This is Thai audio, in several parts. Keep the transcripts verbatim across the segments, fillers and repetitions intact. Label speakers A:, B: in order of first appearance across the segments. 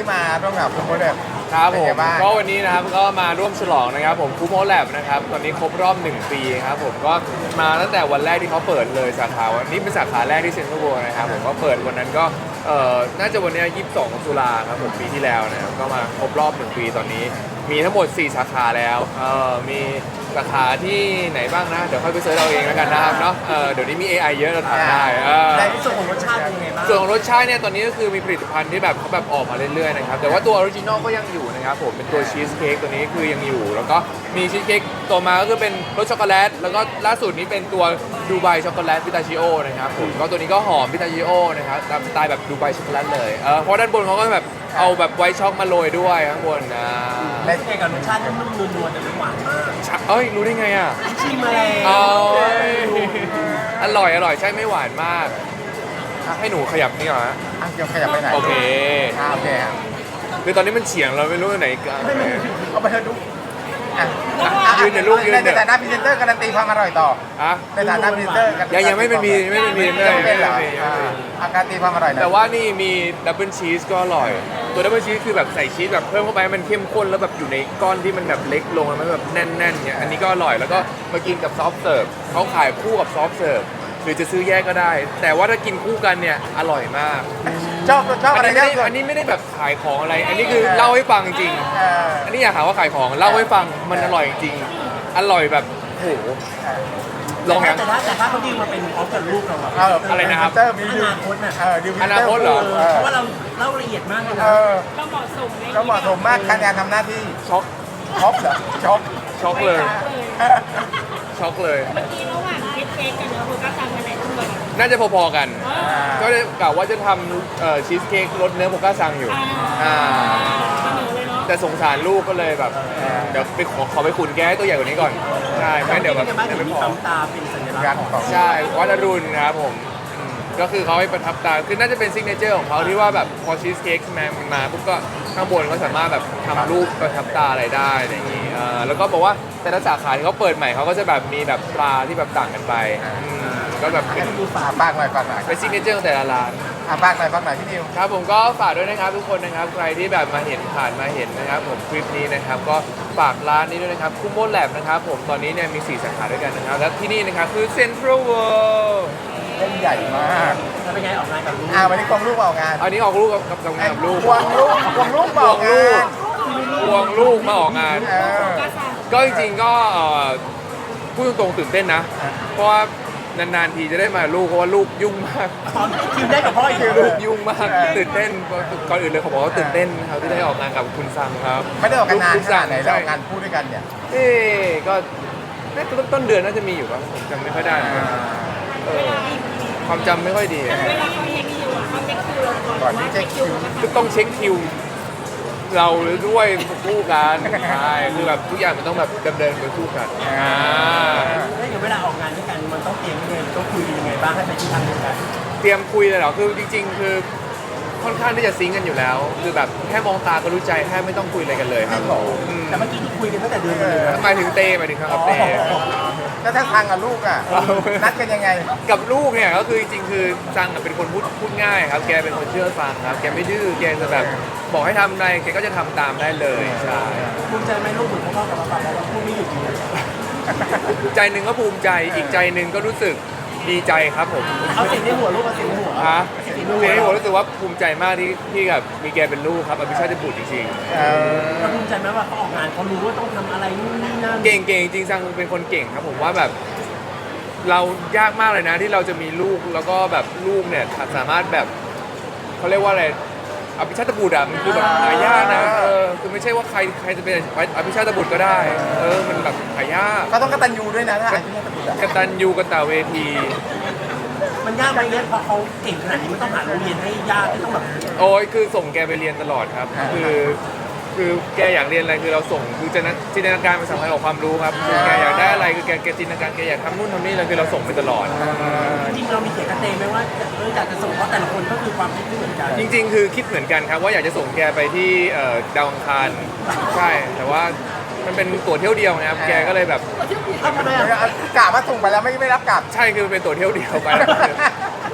A: ที่มาร่วมกับคุณโมเดล
B: ครับผม
A: เป็นไงบ้าง
B: ก็วันนี้นะครับก็มาร่วมฉลองนะครับผมคูโมแลบนะครับตอนนี้ครบรอบหนึ่งปีครับผมก็มาตั้งแต่วันแรกที่เขาเปิดเลยสาขาวันนี้เป็นสาขาแรกที่เซ็นทรัลเวิลด์นะครับผมก็เปิดวันนั้นก็เอ่อน่าจะวันนี้ยี่สิบสองตุลาครับผมปีที่แล้วนะครับก็มาครบรอบหนึ่งปีตอนนี้มีทั้งหมดสี่สาขาแล้วเอ่อมีสาขาที่ไหนบ้างนะเดี๋ยวค่อยไปเสิร์ชเอาเองแล้วกันนะครับเนาะเออเดี๋ยวนี้มี เอ ไอ เยอะเราถามได้เออ
C: ในส่วนของรสชาติเป็นยังไงบ้าง
B: ส่วนของรสชาติเนี่ยตอนนี้ก็คือมีผลิตภัณฑ์ที่แบบเขาแบบออกมาเรื่อยๆนะครับแต่ว่าตัวออริจินอลก็ยังอยู่นะครับผมเป็นตัวชีสเค้กตัวนี้คือยังอยู่ แล้วก็มีชีสเค้กตัวมาก็คือเป็นรสช็อกโกแลตแล้วก็ล่าสุดนี้เป็นตัวดูไบช็อกโกแลตพิตาชิโอนะครับผมก็ตัวนี้ก็หอมพิตาชิโอนะครับตามสไตล์แบบดูไบช็อกโกแลตเลยเออเพราะด้านบนเขาก็แบบเอาแบบไวท์ช็อกมาโรยด้วยข้างบนนะ
C: และยังไงกับรสชาตินุ่มๆนวลๆแต่ไม่หวานมาก
B: เอ้ยรู้ได้ไงอ่ะ
C: ชิมมาแล้ว
B: เอาอร่อยอร่อยใช่ไม่หวานมากอ่ะให้หนูขยับนี่เหรอฮะ
A: อ่ะเดี๋ยวขยับไปไหน
B: โอเค
A: อ่าโอเคอ่ะ
B: คือตอนนี้มันเฉียงเราไม่รู้ไหนกัน
A: เอาไปเถอะดูอ่ะ
B: ยืนเดี๋ยวลูกยืนเดี๋ยว
A: ในฐานะพรีเซนเตอร์การันตีความอร่อยต่อ
B: อ่ะ
A: ในฐานะพรีเซนเตอร์การันตี
B: ยังยังไม่เป็นมีไม่เป็นมี
A: ยัง
B: ไม่
A: ไม่เป็นเหรอ
B: ไม่
A: อ่า
B: ไม่
A: อาการนตีความอร่อยหน่อย
B: แต่ว่านี่มีดับเบิลชีสก็อร่อย ตัวดับเบิลชีสคือแบบใส่ชีสแบบเพิ่มเข้าไปให้มันเข้มข้นแล้วแบบอยู่ในก้อนที่มันแบบเล็กลงแล้วมันแบบแน่นๆเนี่ยอันนี้ก็อร่อยแล้วก็มากินกับซอฟต์เสิร์ฟเขาขายคู่กับซอฟต์เสิร์ฟหรือจะซื้อแยกก็ได้ แต่ว่าถ้ากินคู่กันเนี่ยอร่อยมาก
A: ชอบชอบ
B: อั
A: อะไร
B: นนี้ไม่
A: ที่
B: ได้
A: สุด
B: อันนี้ไม่ได้แบบขายของอะไร อันนี้คือเล่าให้ฟังจริง
A: เออ
B: อันนี้อยากหาว่าขายของเล่าให้ฟังมันอร่อยจริงอร่อยแบบโหลองยัง
C: แต่ถ้าแต่ถ้าเขาดีลมาเป็นพร้อมกับลูกเราอะ
A: เออ
B: อะไรนะครับ
A: พเซเตอร์มี
C: อ
A: ดิว
C: นาคตน่ะ
A: เออดิว
B: อนาคตเหรอ
A: เออ
C: เพราะว่าเราเล่าละเอียดมากเลย
A: เอ
C: นะ
A: อ
D: ก็เหมาะสมใน
A: ก็เหมาะสมมากการทำหน้าที่
B: ช็อก
A: ช็อกเหรอช็อก
B: ช็อกเลย
A: เออ
B: ช็อกเลย
D: เมื่อกี้ระหว่างเค้กเค้กกับเนื้อโฟกัสซังกันไหนขึ้นมาก่อน
B: น่าจะพอๆกัน
A: อ่า
B: ก็เลยกะว่าจะทำเอ่อชีสเค้กรสเนื้อโพก้าซังอยู่อ่า
D: เสนอเลยเนาะ
B: แต่สงสารลูกก็เลยแบบเดี๋ยวไปขอขอไปขุนแกให้ตัวใหญ่กว่านี้ก่อนใช่ไม่งั้นเดี๋ยวแบบ
C: ที่บ้าน
B: เดี๋ยว
C: ถึง
B: ไม่
C: มี
B: พอ
C: ปั๊มตาเป็นสัญลักษ
A: การ
C: ณ์ของ
A: ของ
B: ใช่วัดอรุณนะครับผมอืมก็คือเขาให้ประทับตาคือน่าจะเป็นซิกเนเจอร์ของเขาที่ว่าแบบพอชีสเค้กใช่ไหมมันมาปุ๊บก็ข้างบนก็สามารถแบบทำรูปประทับตาอะไรได้อะไรอย่างนี้เอ่อแล้วก็บอกว่าแต่ละสาขาที่เขาเปิดใหม่เขาก็จะแบบมีแบบปลาที่แบบต่างกันไปอืมก็แบบเป็น
A: อ่ะฝากหน่อยฝากหน่อย
B: เป็นซิกเนเจอร์ของแต่ละร้าน
A: อ่ะฝากหน่อยฝากหน่อยพี่นิว
B: ครับผมก็ฝากด้วยนะครับทุกคนนะครับใครที่แบบมาเห็นผ่านมาเห็นนะครับผมคลิปนี้นะครับก็ฝากร้านนี้ด้วยนะครับคุโมแลบนะครับผมตอนนี้เนี่ยมีสี่สาขาด้วยกันนะครับและที่นี่นะครับคือเซ็นทรัลเวิลด์
A: เล่นใหญ่มาก
C: แล้วเป็นไงออกงานกับลูก
A: อ่าวันนี้กองลูกมาออกงาน
B: อันนี้ออกลูกกับกับกับงานกับลูก
A: ควงลูกควงลูกมาออกงาน
B: ควงลูกมาออกงาน
A: เออ
D: โฟกัสซัง
B: ก็จริงๆก็เอ่อพูดตรงๆตื่นเต้นนะ เพราะว่านานๆทีจะได้มาลูกเพราะว่าลูกยุ่งมาก
C: ตอนคิวได้กับพ่ออีก
B: ลูกยุ่งมากตื่นเต้นก่อนอื่นเลยเขาบอกว่าตื่นเต้นครับที่ได้ออกงานกับคุณซังครับ
A: ไม่ได้ออกกันนาน
B: ลู
A: ข
B: ซั
A: นาดไหนแล้วออกงานคู่ด้วยกันเนี่ย
B: เอ๊ะก็น่าจะต้นเดือนน่าจะมีอยู่ป่ะผมจำไม่ค่อยได้นะเออความจำไม่ค่อยดี
D: เวลาเขาเช็คคิวอะเขาเช็คคิวเราก่อน
A: ก่อนที่เช็คคิว
B: ก็ต้องเช็คคิว เราด้วยคู่กันใช่คือแบบทุกอย่างมันต้องแบบดำเนินไปคู่กันอ่า
C: แล้วอย่างเวลาออกงานด้วยกันมันต้องเตรียมยังไงต้องคุยกันยังไงบ้างให้ไปที่ทางเดียวกัน
B: เตรียมคุยเลยเหรอคือจริง ๆ คือค่อนข้างที่จะซิงก์กันอยู่แล้ว คือแบบแค่มองตาก็รู้ใจแค่ไม่ต้องคุยอะไรกันเลยครับอืม
C: แต่เมื่อกี้ที่คุยกันตั้งแต่เดือนเลยนะ
B: หมายถึงเต้หมายถึงครับเต้
A: แล้วถ้าทางกับลูกอ่ะ นัดกันยังไง
B: กับลูกเนี่ยก็คือจริงๆคือซังอะเป็นคนพูดพูดง่ายครับแกเป็นคนเชื่อฟังครับแกไม่ดื้อแกจะแบบบอกให้ทำอะไรแกก็จะทำตามได้เลยใช่
C: ภูมิใจไหมลูกเหมือนพ่อกับป้าเพราะว่าพูดไม่หยุดเลย
B: ใจหนึ่งก็ภูมิใจอีกใจหนึ่งก็รู้สึกดีใจครับผม
C: เอาเสียงในหัวลูกเอาเสียงในหัว
B: ฮะ
C: เสียงใน
B: เสี
C: หั
B: ยว ที่ผมรู้สึกว่าภูมิใจมากที่ที่แบบมีแกเป็นลูกครับอภิชาติบุตรจริง
A: เออ
C: เราภูมิใจไหมว่าเขาออกงานเขารู้ว่าต้องทำอะไรนู่นนี่นั่น
B: ๆ เก่งเก่งจริงซังเป็นคนเก่งครับผมว่าแบบเรายากมากเลยนะที่เราจะมีลูกแล้วก็แบบลูกเนี่ยสามารถแบบเขาเรียกว่าอะไรอภิชาติบุตรอะมันคือแบบหายากนะเออคือไม่ใช่ว่าใครใครจะเป็นอภิชาติบุตรก็ได้เออมันแบบหายาก
A: ก็ต้องกตัญญูด้วยนะถ้าอาชีพนี้ตะบุดอ่ะ
B: กตัญญูกตเวที
C: มันยากไหมเนี่ยพอเขาเก่งขนาดนี้มันต้องหาโรงเรียนให้ยากที่ต้องแบบ
B: โอ้ยคือส่งแกไปเรียนตลอดครับ คือคือแกอยากเรียนอะไรคือเราส่งคือจินตนาจินตนาการมันสำคัญกว่าความรู้ครับคือแกอยากได้อะไรคือแกแกจินตนาการแกอยากทำนู่นทำนี่เลยคือเราส่งไปตลอด
C: จริงๆเรามีเสียงกระเตงไหมว่าเอออยากจะส่งเพราะแต่ละคนก็คือความคิดไม่เหมือนกัน
B: จริง ๆ คือคิดเหมือนกันครับว่าอยากจะส่งแกไปที่เอ่อดาวอังคารใช่แต่ว่ามันเป็นตั๋วเที่ยวเดียวนะครับแกก็เลยแบบ
C: ทำไมอ่ะ
A: กะว่าส่งไปแล้วไม่ไม่รับกลับ
B: ใช่คือเป็นตั๋วเที่ยวเดียวไป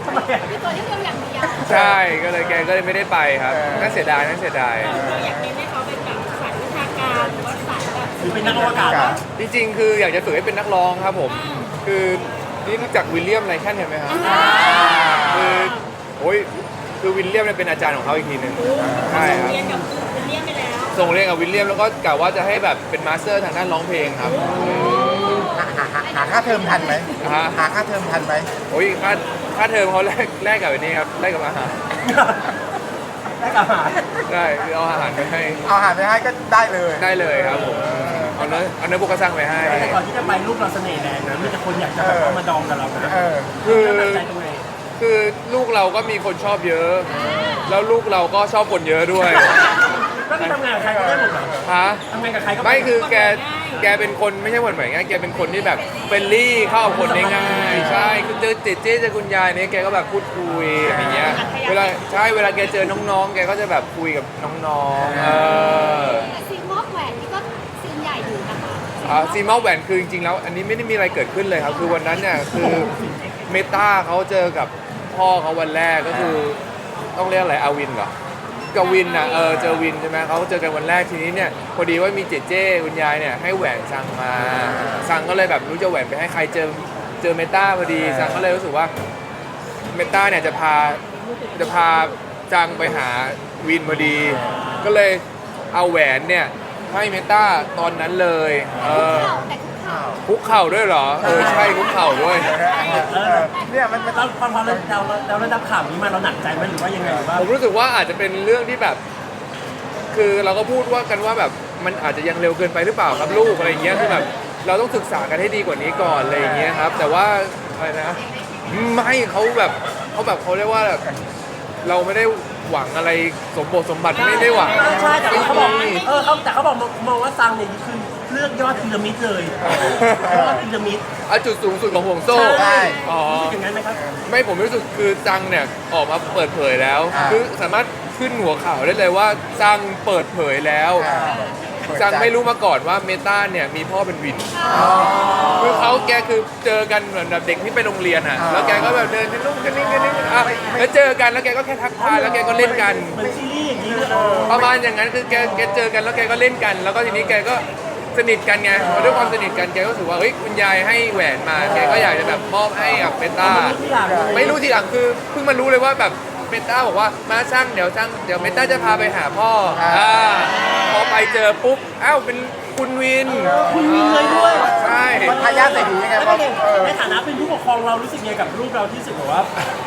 C: ทำไมอ่ะ
D: คือตัวที่เราอย่างเดียว
B: ใช่ก็เลยแกก็เลยไม่ได้ไปครับน่าเสียดายน่าเสียดาย
D: เราอยากเน้นให้เขาเป็นแบบสายวิชาการหรือว่าสายแบบ
C: หรือเป็นนักอวกาศ
B: จริงๆ คืออยากจะฝึกให้เป็นนักร้องครับผม คือนี่รู้จักวิลเลียมไรแคนเห็นไหมครับคือโอ้ยคือวิลเลียมเนี่ยเป็นอาจารย์ของเขาอีกทีหนึ่งใช่ครับ
D: เรียนกับคือเรียนไปแล้ว
B: ส่งเรียนกับวิลเลียมแล้วก็กะว่าจะให้แบบเป็นมาสเตอร์ทางด้านร้องเพลงครับ
A: หาหาหาหาค่าเทอมทันไหม
B: ฮะ
A: หาค่าเทอมทันไหม
B: โอ้ยค่าค่าเทอมเขาแลกแลกกับอันนี้ครับแลกกับอาหาร
C: ได้กับอาหาร
B: ได้คือเอาอาหารไปให้
A: เอาอาหารไปให้ก็ได้เลย
B: ได้เลยครับผมเอาเนื้อเอาเนื้อบุกกระซังไปให้
C: แต่ก่อนที่จะไปลูกเราเสน่ห์แรงนะมีแต่คนอยากจะแบบเอามาดองกับเรานะ
A: เออ
B: คือ
C: เราตัดใจตรงไหน
B: คือลูกเราก็มีคนชอบเยอะ แล้วลูกเราก็ชอบคนเยอะด้วย
C: ก็คือทำงานกับใครก็ได้หมดเหรอ
B: ฮะ
C: ทำงานกับใครก็
B: ไม่คือแกแกเป็นคนไม่ใช่คนเหมือนง่ายแกเป็นคนที่แบบเฟรนลี่เข้ากับคนได้ง่ายใช่คือเจอเจเจเจอคุณยายเนี่ยแกก็แบบพูดคุยอย่างเงี้ยเวลาใช่เวลาแกเจอน้องๆ แกก็จะแบบคุยกับน้องๆเออ
D: แต่ซีมอบแหวนนี่ก็ซีนใหญ่อยู่นะคะ
B: อ่าซีมอลแหวนคือจริงๆแล้วอันนี้ไม่ได้มีอะไรเกิดขึ้นเลยครับ คือวันนั้นเนี่ยคือเมตาเขาเจอกับพ่อเขาวันแรกก็คือต้องเรียกอะไรอาวินเหรอกับวินอ่ะเออเจอวินใช่ไหมเขาเจอกันวันแรกทีนี้เนี่ยพอดีว่ามีเจเจคุณยายเนี่ยให้แหวนซังมาซังก็เลยแบบรู้จะแหวนไปให้ใครเจอเจอเมตาพอดีซังก็เลยรู้สึกว่าเมตาเนี่ยจะพาจะพาจังไปหาวินพอดี ก็เลยเอาแหวนเนี่ยให้เมตาตอนนั้นเลยเออ
D: เข่าแต่คุกเข่า
B: คุกเข่าด้วยเหรอเออใช่คุกเข่าด้วย
C: เออ
A: เนี่ยมันมัน
C: เราพอพอเราเราเราเราได้ข่าวนี้มาเราหนักใจไหมหรือว่ายังไงหรือว่า
B: ผมรู้สึกว่าอาจจะเป็นเรื่องที่แบบ คือเราก็พูดว่ากันว่าแบบมันอาจจะยังเร็วเกินไปหรือเปล่าครับลูกอะไรอย่างเงี้ยคือแบบเราต้องศึกษากันให้ดีกว่านี้ก่อนอะไรอย่างเงี้ยครับ แต่ว่าอะไรนะไม่เขาแบบเขาแบบเขาเรียกว่าแบบเราไม่ได้หวังอะไรสมบทสมบัติไม่ได้หวัง
C: ใช่แต่เขาบอก
B: ไม่มี
C: เออเขาแต่เขาบอกมองว่าซังเนี่ยคือเลือกยอดพีระมิดเลยยอดพีระมิด
B: เอาจุดสูงสุดของห่วงโซ่
C: ใช่
B: อ๋อ
C: รู้สึกอย่างนั้นไหมครับ
B: ไม่ผมรู้สึกคือจังเนี่ยออกมาเปิดเผยแล้ว
A: อ่า
B: คือสามารถขึ้นหัวข่าวได้เลยว่าจังเปิดเผยแล้ว
A: อ่า
B: จังไม่รู้มาก่อนว่าเมตาเนี่ยมีพ่อเป็นวิน คือเขาแกคือเจอกันเหมือนแบบเด็กที่ไปโรงเรียนอ่ะ
A: อ่า
B: แล้วแกก็แบบเดินกันนู่นกันนี่กันนี่อ่ะแล้วเจอกันแล้วแกก็แค่ทักทายแล้วแกก็เล่นกัน
C: เหมือนซีรีส์อย่างนี้เลยเออ
B: ประมาณอย่างนั้นคือแกแกเจอกันแล้วแกก็เล่นกัน แล้วก็ทีนี้แกก็สนิทกันไงพอด้วยความสนิทกันแกก็รู้สึกว่าเฮ้ยคุณยายให้แหวนมาแกก็อยากจะแบบมอบให้กับเมตา
C: ที่หลัง
B: ไม่รู้ทีหลังคือเพิ่งมารู้เลยว่าแบบเมตาบอกว่ามาช่างเดี๋ยวช่างเดี๋ยวเมตาจะพาไปหาพ่ออ่าพอไปเจอปุ๊บอ้าวเป็นคุณวิน
C: คุณวินเลยด้วย
B: ใช่
A: มันทายาทใส่หูยังไง
C: แล้ว
A: พอ
C: เป็นไง
A: เออ
C: ในฐานะเป็นผู้ปกครองเรารู้สึกยังไงกับลูกเราที่รู้สึกแบบว่า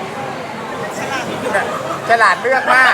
A: ฉลาดเลือกมาก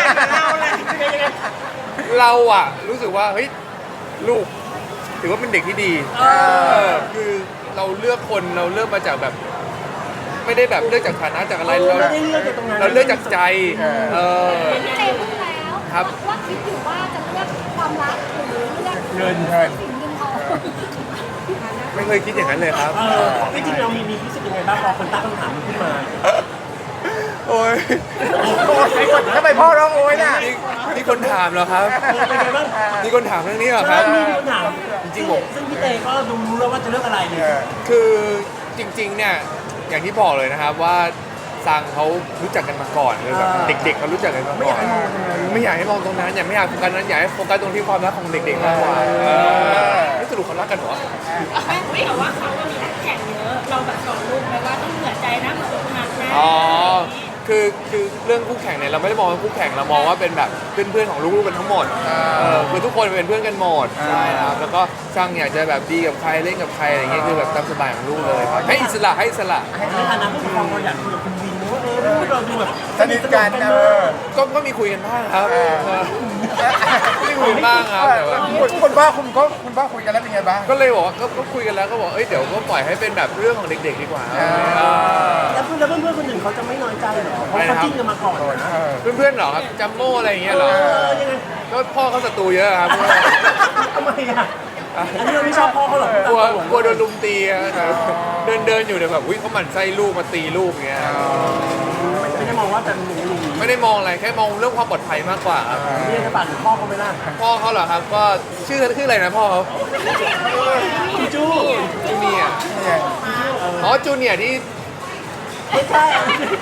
B: เราอะรู้สึกว่าเฮ้ยลูกถือว่าเป็นเด็กที่ดี
C: เออ
B: เออคือเราเลือกคนเราเลือกมาจากแบบ ไม่ได้แบบเลือกจากฐานะจากอะไรเรา
C: ไม่ได้เลือกจากตรงนั้น
B: เราเลือกจากใจ เออ
D: พี่เต้พูดแล้ว
B: ครับ
D: ว่าคิดอยู่ว่าจะเลือกความรักหรือเลือก
C: เงิน
A: เงิน
D: สิ่งเงินทอง
B: ไม่เคยคิดอย่างนั้นเลยครับ
C: เออจริงๆเรามีมีรู้สึกยังไงบ้างพอคนตั้งคำถามมันขึ้นมา
B: โอ้ย
A: ทำไมพ่อร้องโอยน่ะ
B: นี่นี่คนถามเหรอครับ
C: เออเป็นไงบ้าง
B: นี่คนถามเรื่องนี้เหรอค
C: ใช่
B: รับ
C: มีคำถาม
B: จริงๆผม
C: ซึ่งพี่เตก็ดูรู้แล้วว่าจะเลือกอะไรเนี่ย
B: คือจริงๆ เนี่ยอย่างที่บอกเลยนะครับว่าซังเขารู้จักกันมาก่อนเลยแบบ
C: อ่า
B: เด็กๆเขารู้จักกันมาก่อนไม่อยากให้มองตรงนั้นอยากไม่อยากโฟกัสนั้นอยากให้โฟกัสตรงที่ความรักของเด็กๆมากกว่าเออนี่สรุปเขารักกันเหรอ
D: แม่ไม่แต่ว่าเขาก็มีนักแข่งเยอะ เราแบบสอนลูกไหมว่าต้องเหนื่อยใจนะเหมือนอกหักนะ
B: อ๋อคือคือเรื่องคู่แข่งเนี่ยเราไม่ได้มองว่าคู่แข่งเรามองว่าเป็นแบบเพื่อนๆของลูกๆกันทั้งหมดเออคือทุกคนเป็นเพื่อนกันหมดใช่ครับแล้วก็ช่างอยากจะแบบดีกับใครเล่นกับใครอะไรเงี้ยคือแบบตามสบายของลูกเลยครับให้อิสระให้อิสระ
C: ในฐานะผู้ปกครองเราอยากคุยกับคุณวินว่าเออลูกเราดูแบบ
A: สนิทกันเออ
B: ก็ก็มีคุยกันบ้างครับ
A: เออ
B: เออมีคุยกันบ้างครับแต่ว่า
A: คุณคุณพ่อคุณก็คุณพ่อคุยกันแล้วเป็นไงบ้าง
B: ก็เลยบอกว่าก็ก็คุยกันแล้วก็บอกเอ้ยเดี๋ยวก็ปล่อยให้เป็นแบบเรื่องของเด็กๆดีกว่า
A: อ่า
B: เออ
C: แล้วเพื่อนแล้วเพื่อนๆคนอื่นเขาจะไม่น้อยใจเหรอเพราะเขาจิ้นกันมาก่อนนะ
A: เออ
B: เพื่อนๆเหรอครับจัมโม่อะไรอย่างเงี้ยเหรอ
C: เออยังไง
B: ก็พ่อเขาศัตรูเยอะครับ
C: ทำไมอ่ะอันนี้เราไม่ชอบพ่อเขาหรอก
B: กลัวกลัวโดนลุมตีอะเดินเดินอยู่เนี่ยแบบอุ้ยเขาหมั่นไส้ลูกมาตีลูกอย่างเงี้ย
C: ไม่ได้มองว่าเป็นหนูหนู
B: ไม่ได้มองอะไรแค่มองเรื่องความปลอดภัยมากกว่าครับ
C: เรียกจะปั่นพ่อเขาไม่น่า
B: พ่อเขาเหรอครับก็ชื่อชื่ออะไรนะพ่อเขา
C: จูจู
B: จูเนียร์อ๋อจูเนียร์ที่
C: ไม่ใช่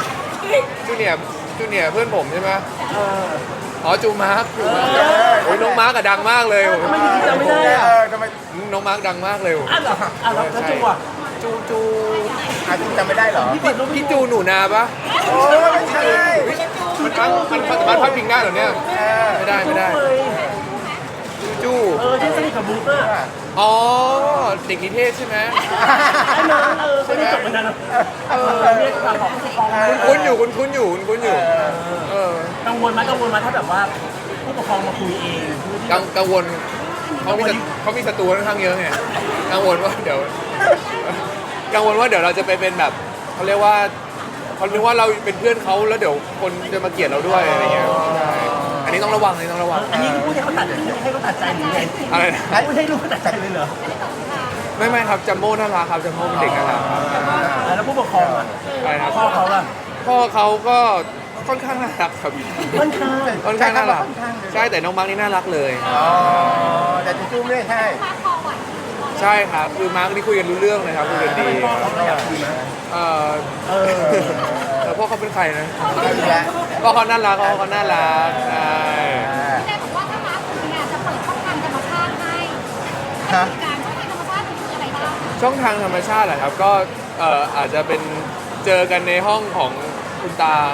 B: จูเนียร์จูเนียร์เพื่อนผมใช่ไหม
C: เออ
B: อ๋อจูมาร์คจูมาร์คโอ้ยน้องมาร์คอะดังมากเลย
C: ทำไมจำไม่ได้อะ
A: เออทำไม
B: น้องมาร์คดังมากเลย
C: อ่ะเหรออ่ะแล้วแล้วจังหวะ
B: จูจู
A: อาจจำไม่ได้เหรอ
C: พี่เปิดรูป
B: พี่จูหนูนาปะ
A: โอ้ยไม่ใช่
B: มันพังมันมันสามารถพัดพิงได้เหรอเนี่ย
A: เออ
B: ไม่ได้ไม่ได้
C: เลย
B: จู
C: เออที่สนิทกับบุ๊กอะ
B: อ๋อเด็กนิเทศใช่ไหม
C: ไอ้น้องเออเขาได้จบมานานแล้วเออเรียกฝากของผู้ปกครอง
B: คุ้นๆอยู่คุ้นคุ้นๆอยู่คุ้นคุ้นๆอยู่เออ
C: กังวลไหมกังวลไหมถ้าแบบว่าผู้ปกครองมาคุยเอง
B: กังกังวลเขามีศัตเขามีศัตรูค่อนข้างเยอะไงกังวลว่าเดี๋ยว กังวลว่าเดี๋ยวเราจะไปเป็นแบบเขาเรียกว่าเขาคิดว่าเราเป็นเพื่อนเขาแล้วเดี๋ยวคนจะมาเกลียดเราด้วยอะไรเงี้ยใช่อันนี้ต้องระวังอันนี้ต้องระวัง
C: อันนี้พูดให้เขาตัดให้เขาตัดใจหรือไง
B: อะไรนะ
C: พูดให้ลูกเขาตัดใจเลยเหรอ
B: ไม่ไม่ครับจัมโบ้น่ารักครับจัมโบ้เป็นเด็กน่ารักครับ
C: แล้วผู้ปกครองอ่ะ
B: อะไรนะ
C: พ่อเขาล่ะ
B: พ่อเขาก็ค่อนข้างน่ารักครับ
C: ค่อนข้าง
B: ค่อนข้างน่ารักใช่แต่น้องมาร์กนี่น่ารักเลย
A: อ๋อแต่จะจู้ไม่ใช่
B: ใช่ครับคือมาร์กนี่คุยกันรู้เรื่องเลยครับคุยกัน
C: ถ้า
B: ดี
C: เป็นพ่อเขาก็อยากคุยไหม
B: เออ
C: เออ
B: แต่พ่อเขาเป็นใครนะ
A: ไม่มีแล้ว
B: พ่อเขาน่ารักพ่อเขาน่ารักใช่
E: แม่บอกว่าถ้ามาคุณเนี่ยจะเปิดช่องทางธรรมชาติให้
A: ฮะ
E: การช่องทางธรรมชาติคืออะไรบ้าง
B: ช่องทางธรรมชาติเหรอครับก็เอ่ออาจจะเป็นเจอกันในห้องของคุณตา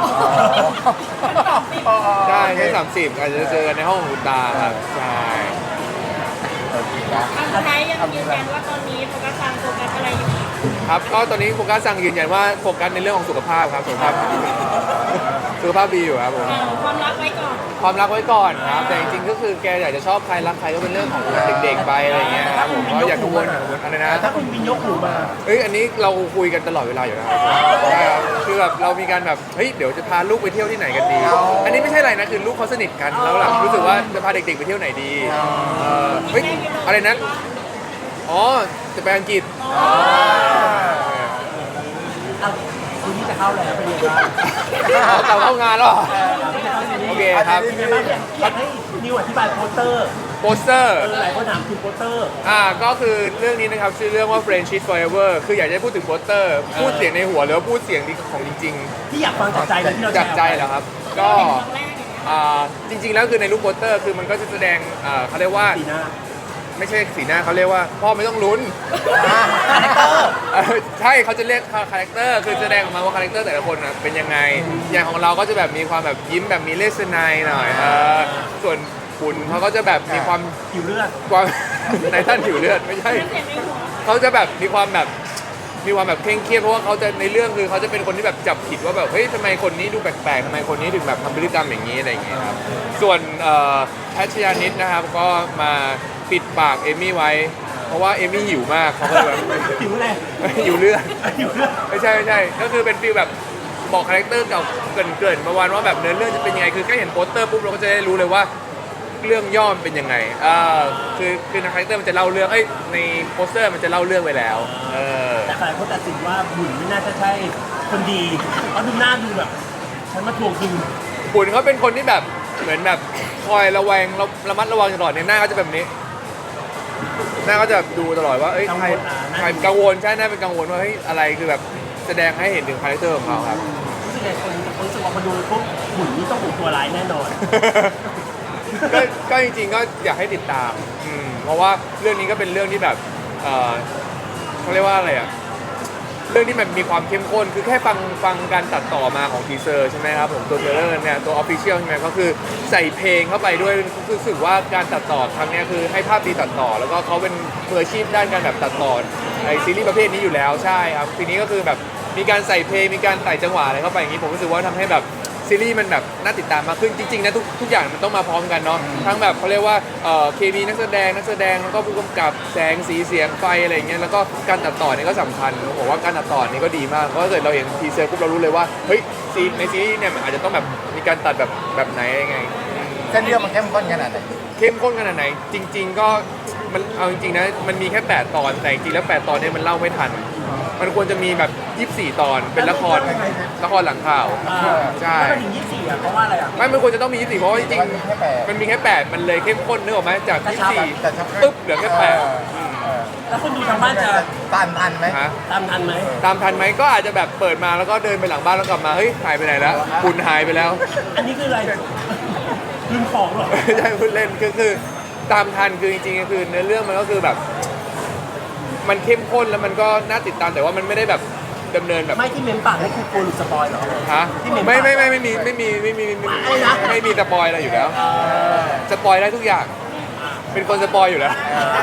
B: ใช่ที่สามสิบอาจจะเจอกันในห้องของคุณตาครับใช่
D: อันสุดท้ายยังยืนยันว่าตอนนี้โฟกัสทางโฟกัสอะไรอยู่
B: ครับก็ตอนนี้โฟกัสสั่งยืนยันว่าโฟกัสในเรื่องของสุขภาพครับสุขภาพสุขภาพดีอยู่ครับผม
D: เออความรักไว้ก่อน
B: ความรักไว้ก่อนครับแต่จริงๆก็คือแกอยากจะชอบใครรักใครก็เป็นเรื่องของเด็กๆไปอะไรอย่างเงี้ยครับผมก็อยากกังวลอย่ากังวลอะไรนะ
C: ถ้าคุณบินยกหูมา
B: เฮ้ยอันนี้เราคุยกันตลอดเวลาอยู่แล้วใช่ครับคือแบบเรามีการแบบเฮ้ยเดี๋ยวจะพาลูกไปเที่ยวที่ไหนกันดี อันนี้ไม่ใช่อะไรนะคือลูกเขาสนิทกันแล้วหลังรู้สึกว่าจะพาเด็กๆไปเที่ยวไหนดีเออเฮ้ยอะไรนะอ๋อจะไปอังกฤษ
C: อ่ะคุณที่จะเข้าแล้วเป็นยังไงบ้าง
B: อ๋อกลับเข้างานแล้วเหรอ
C: ที่จะเข้าซีรีส์
B: โอเคครับ
C: เป็นยังไงบ้างอยากอยากให้นิวอธิบายโปสเตอร์
B: โปสเตอร์
C: เออหลายคนถามถึงโปสเตอร์
B: อ่าก็คือเรื่องนี้นะครับชื่อเรื่องว่า Friendship Forever คืออยากจะให้พูดถึงโปสเตอร์พูดเสียงในหัวหรือว่าพูดเสียงของจริง
C: ที่อยากฟังจากใจเลยที่เรา
B: ๆจากใจเหรอครับ ก็
D: ครั้งแรกอย่างเงี้ย
B: อ่าจริงๆแล้วคือในรูปโปสเตอร์คือมันก็จะแสดงอ่าเขาเรียกว่า
C: สีหน้า
B: ไม่ใช่สีหน้าเขาเรียกว่าพ่อไม่ต้องลุ้น
C: คาแรคเตอร์
B: เออใช่เขาจะเรียกคาแรคเตอร์คือแสดงออกมาว่าคาแรคเตอร์แต่ละคนน่ะเป็นยังไง อย่างของเราก็จะแบบมีความแบบยิ้มแบบมีเลสไนหน่อยเออส่วนคุณเขาก็จะแบบมีความ
C: ผิวเลือด
B: ความ ในท่านผิวเลือดไม่ใช่
D: เสียงในหัว
B: เขาจะแบบมีความแบบมีความแบบเคร่งเครียดเพราะว่าเขาจะในเรื่องคือเขาจะเป็นคนที่แบบจับผิดว่าแบบเฮ้ยทำไมคนนี้ดูแปลกๆทำไมคนนี้ถึงแบบทำพฤติกรรมอย่างนี้อะไรอย่างเงี้ยครับส่วนเอ่อแพทชยานิดนะครับก็มาปิดปากเอมมี่ไว้ เพราะว่าเอมมี่หิวมากเขาก็เลยแบบ
C: ผิวอะไร
B: หิวเลือด
C: ผิวเลือด
B: ไม่ใช่ไม่ใช่ก็คือเป็นฟีลแบบบอกคาแรคเตอร์เก่าเกรินๆประมาณว่าแบบเนื้อเรื่องจะเป็นยังไงคือแค่เห็นโปสเตอร์ปุ๊บเราก็จะได้รู้เลยว่าเรื่องย่อมเป็นยังไงอ่าคือคือในคาแรคเตอร์มันจะเล่าเรื่องเอ้ยในโปสเตอร์มันจะเล่าเรื่องไว้แล้วเออ
C: แต่หลายคนตัดสินว่าบุญไม่น่าจะใช่คนดีเพราะดูหน้าดูแบบฉันมาทวงคืน
B: บุญเขาเป็นคนที่แบบเหมือนแบบคอยระแวงระระมัดระวังตลอดเนี่ยหน้าเขาจะแบบนี้ หน้าเขาจะแบบดูตลอดว่าเอ้ยใครใครกังวลใช่หน้าเป็นกังวลว่าเฮ้ยอะไรคือแบบแสดงให้เห็นถึงคาแรคเตอร์ของเขาครับ
C: รู้สึกไงคนคนรู้สึกว่าคนดูปุ๊บบุญนี่ต้องเป็นตัวร้ายแน่นอน
B: ก็ก็จริงๆก็อยากให้ติดตามอืมเพราะว่าเรื่องนี้ก็เป็นเรื่องที่แบบเอ่อเขาเรียกว่าอะไรอ่ะเรื่องที่มันมีความเข้มข้นคือแค่ฟังฟังการตัดต่อมาของทีเซอร์ใช่ไหมครับผมตัวเทรลเลอร์เนี่ยตัวออฟฟิเชียลใช่ไหมก็คือใส่เพลงเข้าไปด้วยรู้สึกว่าการตัดต่อครั้งเนี้ยคือให้ภาพดีตัดต่อ แล้วก็เขาเป็นมืออาชีพด้านการแบบตัดต่อในซีรีส์ประเภทนี้อยู่แล้วใช่ครับทีนี้ก็คือแบบมีการใส่เพลงมีการใส่จังหวะอะไรเข้าไปอย่างนี้ผมรู้สึกว่าทำให้แบบซีรีส์มันแบบน่าติดตามมากขึ้นจริงๆนะทุกทุกอย่างมันต้องมาพร้อมกันเนาะทั้งแบบเขาเรียกว่าเอ่อเคมีนักแสดงนักแสดงแล้วก็ผู้กำกับแสงสีเสียงไฟอะไรอย่างเงี้ยแล้วก็การตัดต่อเนี่ยก็สำคัญผมบอกว่าการตัดต่อนี่ก็ดีมากเพราะถ้าเกิดเราเห็นทีเซอร์ปุ๊บเรารู้เลยว่าเฮ้ยซีในซีรีส์เนี่ยมันอาจจะต้องแบบมีการตัดแบบแบบไหนยังไง
A: เส้นเรื่องมันเข้มข้นขนาดไหน
B: เข้มข้นขนาดไหนจริง ๆ ก็มันเอาจริงๆนะมันมีแค่แปดตอนแต่จริงๆแล้วแปดตอนเนี่ยมันเล่าไม่ทัน มันควรจะมีแบบยี่สิบสี่ตอนเป็นละครละครหลังข่าว ใช่
C: ถ้ามันถึงยี่สิบสี่อ่ะเพราะว่าอะไรอ่ะ
B: ไม่มันควรจะต้องมียี่สิบสี่เพราะว่าจริง
A: มันมีแค่แปด
B: ๆมันมีแค่แปดมันเลยเข้มข้นนึกออกไหมจาก
C: กระ
B: ยี่
C: ชั
B: สิบบ สี่
A: แต่ชัก
B: ปึ๊บเหลือแค่แปด
A: เออเออ
C: แล้วคนดูทางบ้านจะ
A: ตันทันไหม
B: ฮะ
C: ตามทันไหม
B: ตามทันไหมก็อาจจะแบบเปิดมาแล้วก็เดินไปหลังบ้านแล้วกลับมาเฮ้ยหายไปไหนแล้วคุณหายไปแล้ว
C: อันนี้คืออะไรลืมของเหรอ
B: ไม่ใช่พูดเล่นก็คือตามทันคือจริงๆก็คือเนื้อเรื่องมันก็คือแบบ มันเข้มข้นแล้วมันก็น่าติดตามแต่ว่ามันไม่ได้แบบดำเนินแบบ
C: ไม่ที่เมมปากนี่คือกลัวหลุดสปอยเหรอ
B: ฮะ
C: ที่เมม
B: ไม่ไม่ไม่ไม่มีไม่มีไม่มีไม่มี
C: อะไรนะ
B: ไม่มีสปอยอะไรอยู่แล้วสปอยได้ทุกอย่าง เป็นคนสปอยอยู่แล้ว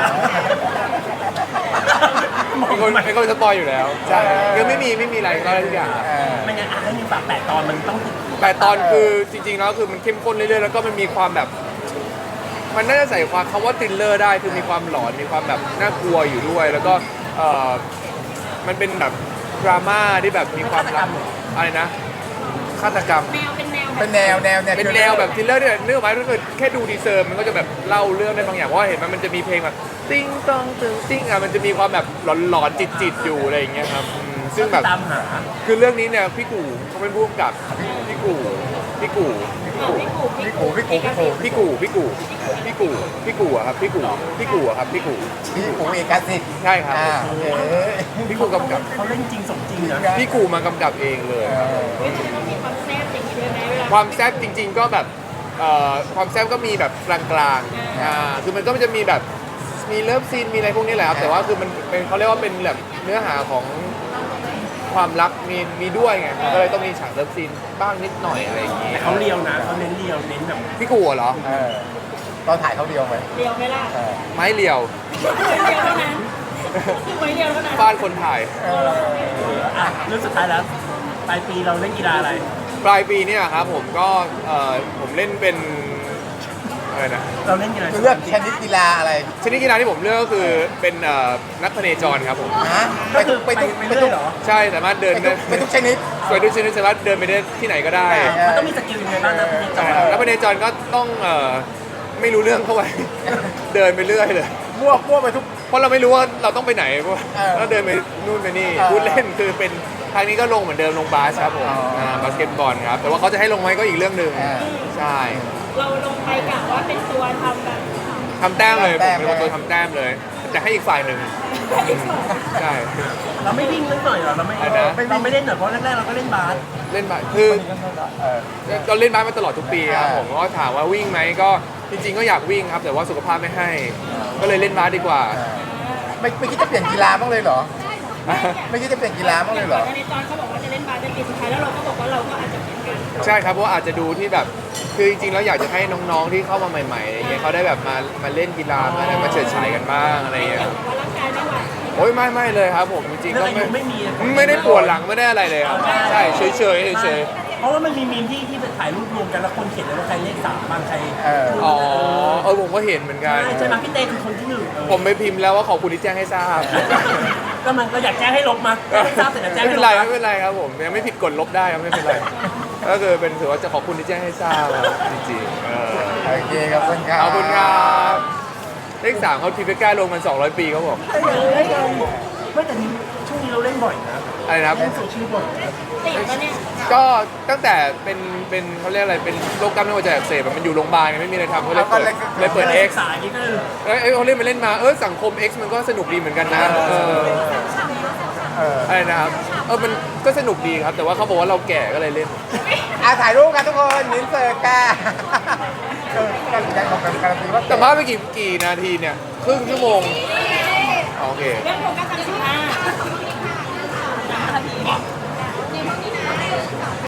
B: เป็นคนเป็นคนสปอยอยู่แล้วใช่คือไม่มีไม่มีอะไรก็ได้ทุกอย่างครับ
A: เออ
C: ไม่งั้นอ่ะให้มีปากแปดตอนมันต้องติด
B: แต่ตอนคือจริงๆแล้วคือมันเข้มข้นเรื่อยๆแล้วก็มันมีความแบบ มันน่าจะใส่ความคำว่าทริลเลอร์ได้คือมีความหลอนมีความแบบน่ากลัวอยู่ด้วย แล้วก็เออมันเป็นแบบดราม่าที่แบบมีความรักอะไรนะฆาตกรรม
D: แนวเป็นแนว
A: เป็นแนวแนวแนว
B: เป็นแนวแบบทริลเลอร์เนี่ยเนื้อไม้ถ้าเกิดแค่ดูดีเซอร์มันก็จะแบบเล่าเรื่องได้บางอย่างเพราะว่าเห็นมันมันจะมีเพลงแบบติ้งตองตึงติ้งอ่ะมันจะมีความแบบหลอนๆจิตๆอยู่อะไรอย่างเงี้ยครับอืมซึ่งแบบ
C: ตามหา
B: คือเรื่องนี้เนี่ยพี่กู่เขาเป็นผู้กำกับพี่กู่พี่กู่
D: พี่กู
A: พี่กูพี่กูพี่กู
B: พี่กู่พี่กู่พี่กู่พี่กู่อะครับพี่กู่พี่กู่อะครับพี่กู่
A: พี่กูเอกสิทธิ์
B: ใช่ครับ
A: อ่าโอเค
B: พี่กู่กำกับ
C: เขาเล่นจริงสมจริงนะ
B: พี่กู่มากำกับเองเลย
A: เออ
D: ไม่ใช่ต้องมีความแซ่บอย่างนี้ด้วยไหมเวลา
B: ความแซ่บจริง ๆ ก็แบบเอ่อความแซ่บก็มีแบบกลางๆอ่าคือมันก็จะมีแบบมีเลิฟซีนมีอะไรพวกนี้แหละครับแต่ว่าคือมันเป็นเขาเรียกว่าเป็นแบบเนื้อหาของความรักมีมีด้วยไงมันก็เลยต้องมีฉากเลิฟซีนบ้างนิดหน่อยอะไรอย่างงี้
C: แต่เขาเรียวนะเขาเน้นเรียวเน้นแบบ
B: พี่กู่เหรอ
A: เออตอนถ่ายเขาเดียวไหม
D: เดียวไหมล่ะ
A: เออ
B: ไม้เรียว
D: เดียวเท่านั้นคือไว้เดียวเท่านั้น
B: บ้านคนถ่าย
A: เออ
C: อ่ะเรื่องสุดท้ายแล้วปลายปีเราเล่นกีฬาอะไร
B: ปลายปีเนี่ยครับผมก็เอ่อผมเล่นเป็นอะไรนะ
C: เราเล่นกีฬา
A: เลือกชนิดกีฬาอะไร
B: ชนิดกีฬาที่ผมเลือกก็คือเป็นเอ่อนักพเนจรครับผม
A: ฮะ
C: ก็คือ
A: ไป
C: ไป
A: ทุก
C: ไป
A: ไป
C: เรื่
A: ทุ
C: อก ยเหรอ
B: ใช่สามารถเดิน
A: ไป
B: ได้
A: ทุกไปทุกชนิด
B: สวยด้วยชนิดสามารถเดินไปได้ที่ไหนก็ได้
A: เออ
C: มันต้องมีสกิลยังไงบ้างนะพี่จอย
B: นักพเนจรก็ต้องเอ่อไม่รู้เรื่องเข้าไป เดินไปเรื่อยเลย
A: มั่วมั่วไปทุก
B: เพราะเราไม่รู้ว่าเราต้องไปไหนเพราะว่า
A: เออ
B: เราเดินไปนู่นไปนี่
A: เออ
B: พูดเล่นคือเป็นทางนี้ก็ลงเหมือนเดิมลงบาสครับผม
A: อ๋ออ่
B: าบาสเกตบอลครับแต่ว่าเขาจะให้ลงไหมก็อีกเรื่องหนึ่ง
A: เออ
B: ใช่
D: เราลงไปกะว่าเป็นตัวทำแบบ
B: ทำแต้มเลย
A: ทำแต้
B: ผม
A: ม
B: เป็นคนตัวทำแต้มเลยแต่ให้อีกฝ่ายหนึ่งใช่
C: เราไม่วิ่งนิดหน่อยเหรอเราไม่
B: อะไรนะ
C: เราไม่เล่นเหรอเพราะแรกๆเราก็เล่นบาส
B: เล่นบาสคือ
A: เออ
B: เราเล่นบาสมาตลอดทุกปีครับ
A: อ่า
B: ผมก็ถามว่าวิ่งไหมก็จริงๆก็อยากวิ่งครับ แต่ว่าสุขภาพไม่ให้ ก็เลยเล่นบาสดีกว่า
A: เออไม่ไม่คิดจะเปลี่ยนกีฬาบ้างเลยเหรอ ไม่คิดจะเปลี่ยนกีฬาบ้างเลยเหรอ
D: ในตอนเขาบอกว่าจะเล่นบาสเป็นปีสุดท้ายแล้วเราก็บอกว่าเราก็อาจจะเหมือนกัน
B: ใช่ครับเพราะว่าอาจจะดูที่แบบคือจริงๆแล้วอยากจะให้น้องๆที่เข้ามาใหม่ๆอะไรเงี้ยเขาได้แบบมามาเล่นกีฬามาได้มาเฉิดฉายกันบ้างอะไรเงี้ย
D: ว่าร่างกายไม่ไหว
B: โอ้ยไม่ไม่เลยครับผมจริงๆ
C: เรื่
B: ก็
C: องอา
B: ไม่
C: ยุไม่มี
B: ไม่ได้ปวดหลังไม่ได้อะไรเลยครับใช่เฉยๆเฉย
C: เพราะว่ามันมีมีมที่ที่ถ่ายรูปรวมกันแล้วคนเขียนเลยว่าใครเลขสามบางใคร
A: เออ
B: ๆอ๋อเออผมก็เห็นเหมือนกัน
C: ใช่ใช่ไหมพี่เต้คือคนที่หนึ่งเออ
B: ผมไปพิมพ์แล้วว่าขอบคุณที่แจ้งให้ทราบ
C: ก็มันก็อยากแจ้งให้ลบมาไม่ทราบแต่อยากแจ้ง
B: ไม่
C: ให้
B: เป็น
C: ล
B: ไร
C: บ
B: ไม่เป็นไรครับผมยังไม่ผิดกฎลบได้ครับไม่เป็นไรก็คือเป็นถือว่าจะขอบคุณที่แจ้งให้ทราบครับจริงๆเออ
A: โอเคขอบคุณครับ
B: ขอบคุณครับเลขสามเขาทีเฟก้าลงมันสองร้อยปีเขาบอก
C: ไม่แต่นี้ช่วงนี้เราเล่นบ่อยนะ
B: อะไรนะครับ
C: เล่นโซเชียลบ่อยนะ
D: ติดปะเนี่ย
B: ก็ตั้งแต่เป็นเป็นเขาเรียกอะไรเป็นโรคกล้ามเนื้อหัวใจอักเสบอะมันอยู่โรงพยาบาลไงไม่มีอะไรทำเขาเลยเปิดเลยเปิด X
C: สายนี่ก็คือ
B: เอ้ยเอ้ยเขาเล่นมาเล่นมาเออสังคม X มันก็สนุกดีเหมือนกันนะเออ
A: เออ
B: อะไรนะครับเออมันก็สนุกดีครับ แต่ว่าเขาบอกว่าเราแก่ก็เลยเล่น
A: อ่ะถ่ายรูปกันทุกคนนินเซอร์ก้าเออการแสดงของการการันตีว่า
B: แต่มาไปกี่กี่นาทีเนี่ยครึ่งชั่วโมงอ๋อโอเค
D: เรื่องโฟกัสทางสิบห้า